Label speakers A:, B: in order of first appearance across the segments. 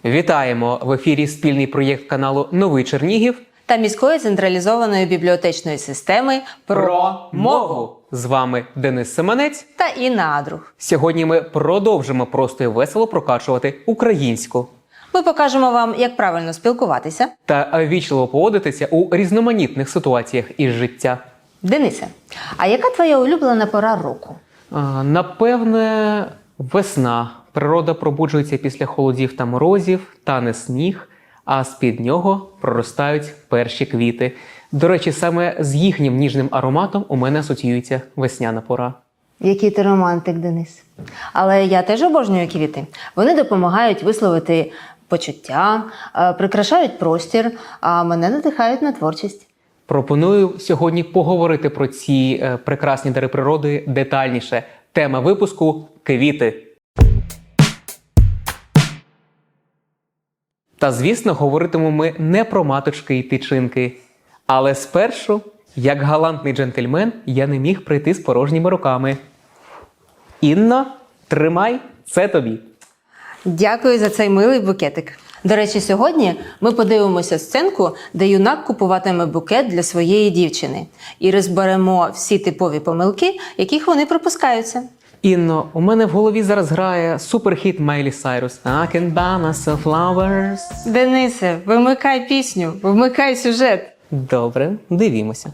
A: Вітаємо! В ефірі спільний проєкт каналу «Новий Чернігів»
B: та міської централізованої бібліотечної системи про мову.
A: З вами Денис Семенець
B: та Інна Адрух.
A: Сьогодні ми продовжимо просто і весело прокачувати українську.
B: Ми покажемо вам, як правильно спілкуватися
A: Та вічливо поводитися у різноманітних ситуаціях із життя.
B: Денисе, а яка твоя улюблена пора року?
A: Напевне, весна. Природа пробуджується після холодів та морозів, тане сніг, а з-під нього проростають перші квіти. До речі, саме з їхнім ніжним ароматом у мене асоціюється весняна пора.
B: Який ти романтик, Денис. Але я теж обожнюю квіти. Вони допомагають висловити почуття, прикрашають простір, а мене надихають на творчість.
A: Пропоную сьогодні поговорити про ці прекрасні дари природи детальніше. Тема випуску – квіти. Та, звісно, говоритимемо ми не про маточки і тичинки. Але спершу, як галантний джентльмен, я не міг прийти з порожніми руками. Інно, тримай, це тобі.
B: Дякую за цей милий букетик. До речі, сьогодні ми подивимося сценку, де юнак купуватиме букет для своєї дівчини. І розберемо всі типові помилки, яких вони припускаються.
A: Інно, у мене в голові зараз грає суперхіт Майлі Сайрус. I can buy myself flowers.
B: Денисе, вимикай пісню, вмикай сюжет.
A: Добре, дивімося.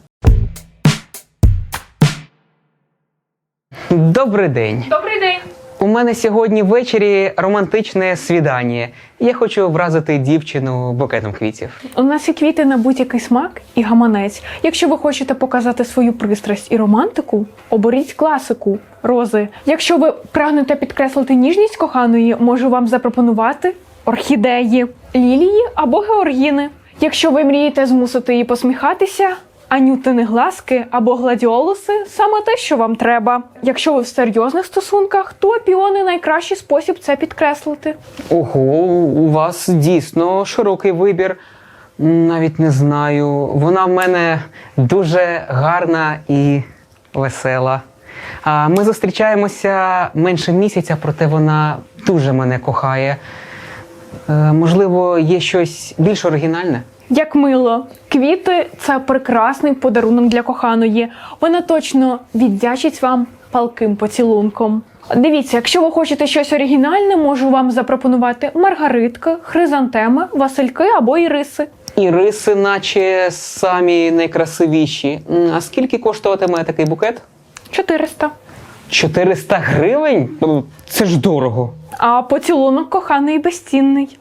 A: Добрий день.
C: Добрий день.
A: У мене сьогодні ввечері романтичне свідання. Я хочу вразити дівчину букетом квітів.
C: У нас є квіти на будь-який смак і гаманець. Якщо ви хочете показати свою пристрасть і романтику, оберіть класику – рози. Якщо ви прагнете підкреслити ніжність коханої, можу вам запропонувати орхідеї, лілії або георгіни. Якщо ви мрієте змусити її посміхатися, анютини глазки або гладіолуси – саме те, що вам треба. Якщо ви в серйозних стосунках, то піони – найкращий спосіб це підкреслити.
A: Ого, у вас дійсно широкий вибір. Навіть не знаю. Вона в мене дуже гарна і весела. Ми зустрічаємося менше місяця, проте вона дуже мене кохає. Можливо, є щось більш оригінальне?
C: Як мило. Квіти – це прекрасний подарунок для коханої. Вона точно віддячить вам палким поцілунком. Дивіться, якщо ви хочете щось оригінальне, можу вам запропонувати маргаритки, хризантеми, васильки або іриси.
A: Іриси, наче самі найкрасивіші. А скільки коштуватиме такий букет?
C: 400.
A: 400 гривень? Це ж дорого.
C: А поцілунок коханий безцінний.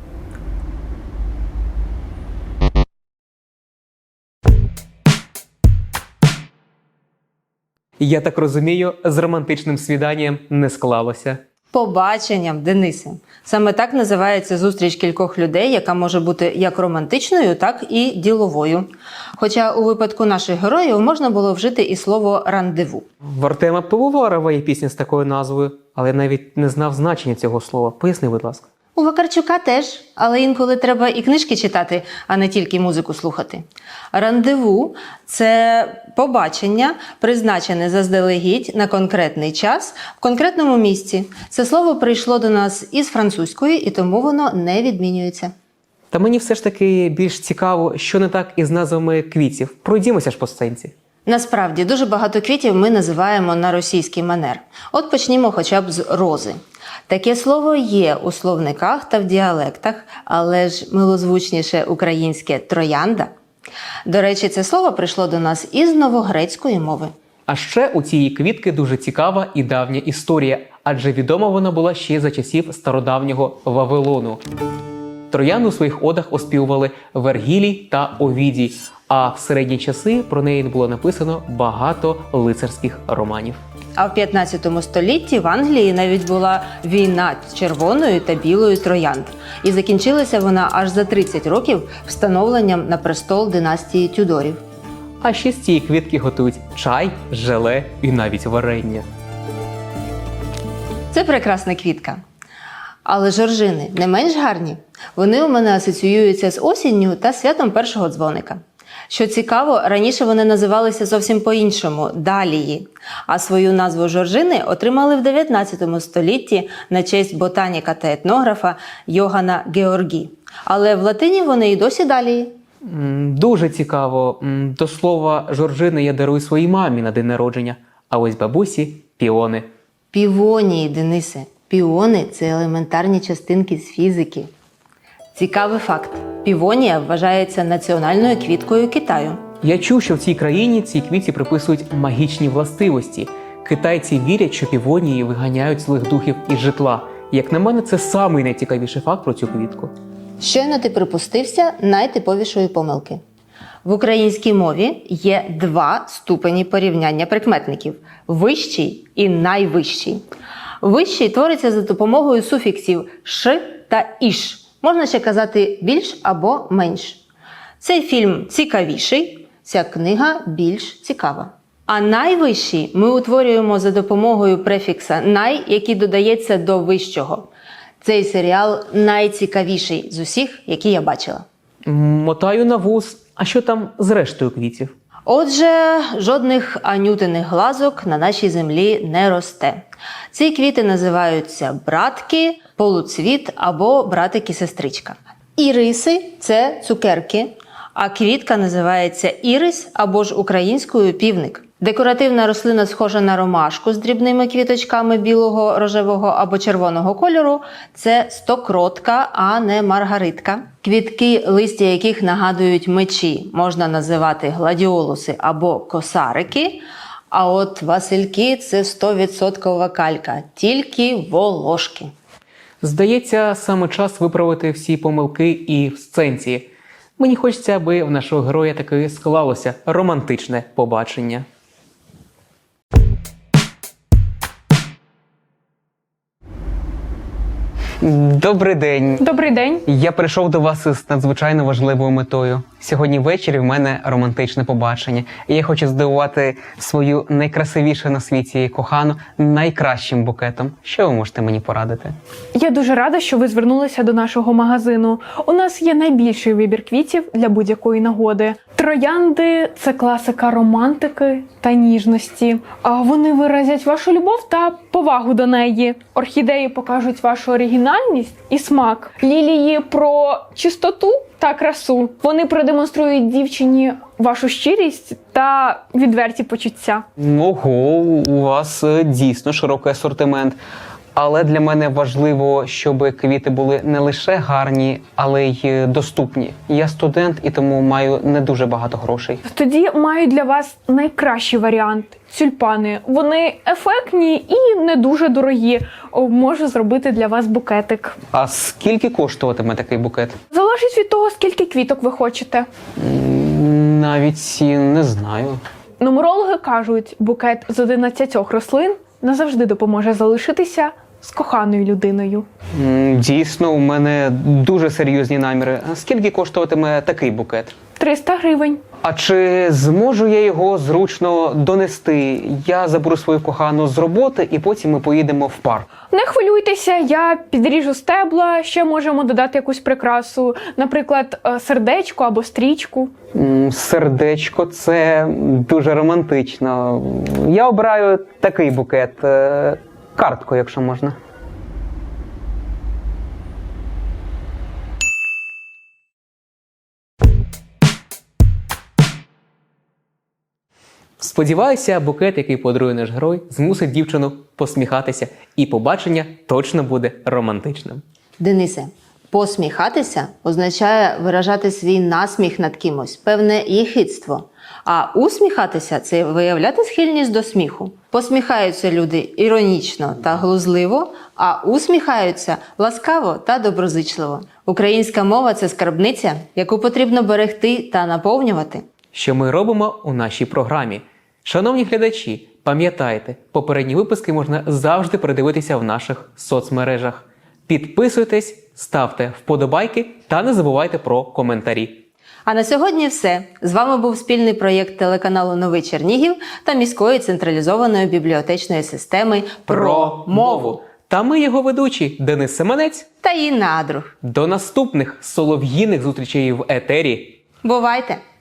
A: Я так розумію, з романтичним свіданням не склалося.
B: Побаченням, Денисе. Саме так називається зустріч кількох людей, яка може бути як романтичною, так і діловою. Хоча у випадку наших героїв можна було вжити і слово «рандеву».
A: В Артема Пивоварова є пісня з такою назвою, але я навіть не знав значення цього слова. Поясни, будь ласка.
B: У Вакарчука теж, але інколи треба і книжки читати, а не тільки музику слухати. Рандеву – це побачення, призначене заздалегідь на конкретний час в конкретному місці. Це слово прийшло до нас із французької, і тому воно не відмінюється.
A: Та мені все ж таки більш цікаво, що не так із назвами квітів. Пройдімося ж по сценці.
B: Насправді, дуже багато квітів ми називаємо на російський манер. От почнімо хоча б з рози. Таке слово є у словниках та в діалектах, але ж милозвучніше українське «троянда». До речі, це слово прийшло до нас із новогрецької мови.
A: А ще у цієї квітки дуже цікава і давня історія, адже відома вона була ще за часів стародавнього Вавилону. Троянду у своїх одах оспівували Вергілій та Овідій, а в середні часи про неї було написано багато лицарських романів.
B: А в 15 столітті в Англії навіть була війна червоної та білої троянд. І закінчилася вона аж за 30 років встановленням на престол династії Тюдорів.
A: А ще з цієї квітки готують чай, желе і навіть варення.
B: Це прекрасна квітка. Але жоржини не менш гарні. Вони у мене асоціюються з осінню та святом першого дзвоника. Що цікаво, раніше вони називалися зовсім по-іншому – далії, а свою назву жоржини отримали в 19 столітті на честь ботаніка та етнографа Йогана Георгі. Але в латині вони і досі далії.
A: Дуже цікаво. До слова, жоржини я дарую своїй мамі на день народження, а ось бабусі – піони.
B: Півонії, Денисе. Піони – це елементарні частинки з фізики. Цікавий факт. Півонія вважається національною квіткою Китаю.
A: Я чув, що в цій країні цій квітці приписують магічні властивості. Китайці вірять, що півонії виганяють злих духів із житла. Як на мене, це самий найцікавіший факт про цю квітку.
B: Щойно ти припустився найтиповішої помилки. В українській мові є два ступені порівняння прикметників – вищий і найвищий. Вищий твориться за допомогою суфіксів «ш» та «іш». Можна ще казати «більш» або «менш». Цей фільм цікавіший, ця книга більш цікава. А найвищий ми утворюємо за допомогою префікса «най», який додається до вищого. Цей серіал найцікавіший з усіх, які я бачила.
A: Мотаю на вуз. А що там з рештою квітів?
B: Отже, жодних анютиних глазок на нашій землі не росте. Ці квіти називаються братки, полуцвіт або братик-і-сестричка. Іриси – це цукерки, а квітка називається ірис або ж українською півник. Декоративна рослина схожа на ромашку з дрібними квіточками білого, рожевого або червоного кольору – це стокротка, а не маргаритка. Квітки, листя яких нагадують мечі, можна називати гладіолуси або косарики, а от васильки – це 100% калька, тільки волошки.
A: Здається, саме час виправити всі помилки і в сценці. Мені хочеться, аби в нашого героя таки склалося романтичне побачення. Добрий день.
C: Добрий день.
A: Я прийшов до вас із надзвичайно важливою метою. Сьогодні ввечері в мене романтичне побачення. І я хочу здивувати свою найкрасивішу на світі кохану найкращим букетом. Що ви можете мені порадити?
C: Я дуже рада, що ви звернулися до нашого магазину. У нас є найбільший вибір квітів для будь-якої нагоди. Троянди – це класика романтики та ніжності. А вони виразять вашу любов та повагу до неї. Орхідеї покажуть вашу оригінальність і смак. Лілії про чистоту та красу. Вони продемонструють дівчині вашу щирість та відверті почуття.
A: Ого, у вас дійсно широкий асортимент. Але для мене важливо, щоб квіти були не лише гарні, але й доступні. Я студент і тому маю не дуже багато грошей.
C: Тоді маю для вас найкращий варіант – тюльпани. Вони ефектні і не дуже дорогі. Можу зробити для вас букетик.
A: А скільки коштуватиме такий букет?
C: Залежить від того, скільки квіток ви хочете.
A: Навіть і не знаю.
C: Нумерологи кажуть, букет з 11 рослин назавжди допоможе залишитися з коханою людиною.
A: Дійсно, у мене дуже серйозні наміри. Скільки коштуватиме такий букет?
C: 300 гривень.
A: А чи зможу я його зручно донести? Я заберу свою кохану з роботи і потім ми поїдемо в парк.
C: Не хвилюйтеся, я підріжу стебла, ще можемо додати якусь прикрасу, наприклад, сердечко або стрічку.
A: Сердечко – це дуже романтично. Я обираю такий букет. Картку, якщо можна. Сподіваюся, букет, який подарує наш герой, змусить дівчину посміхатися, і побачення точно буде романтичним.
B: Денисе, посміхатися означає виражати свій насміх над кимось, певне єхидство. А усміхатися – це виявляти схильність до сміху. Посміхаються люди іронічно та глузливо, а усміхаються ласкаво та доброзичливо. Українська мова – це скарбниця, яку потрібно берегти та наповнювати.
A: Що ми робимо у нашій програмі? Шановні глядачі, пам'ятайте, попередні випуски можна завжди передивитися в наших соцмережах. Підписуйтесь, ставте вподобайки та не забувайте про коментарі.
B: А на сьогодні все. З вами був спільний проєкт телеканалу «Новий Чернігів» та міської централізованої бібліотечної системи «Про мову».
A: Та ми його ведучі Денис Семенець
B: та Інна Адрух.
A: До наступних солов'їних зустрічей в етері.
B: Бувайте!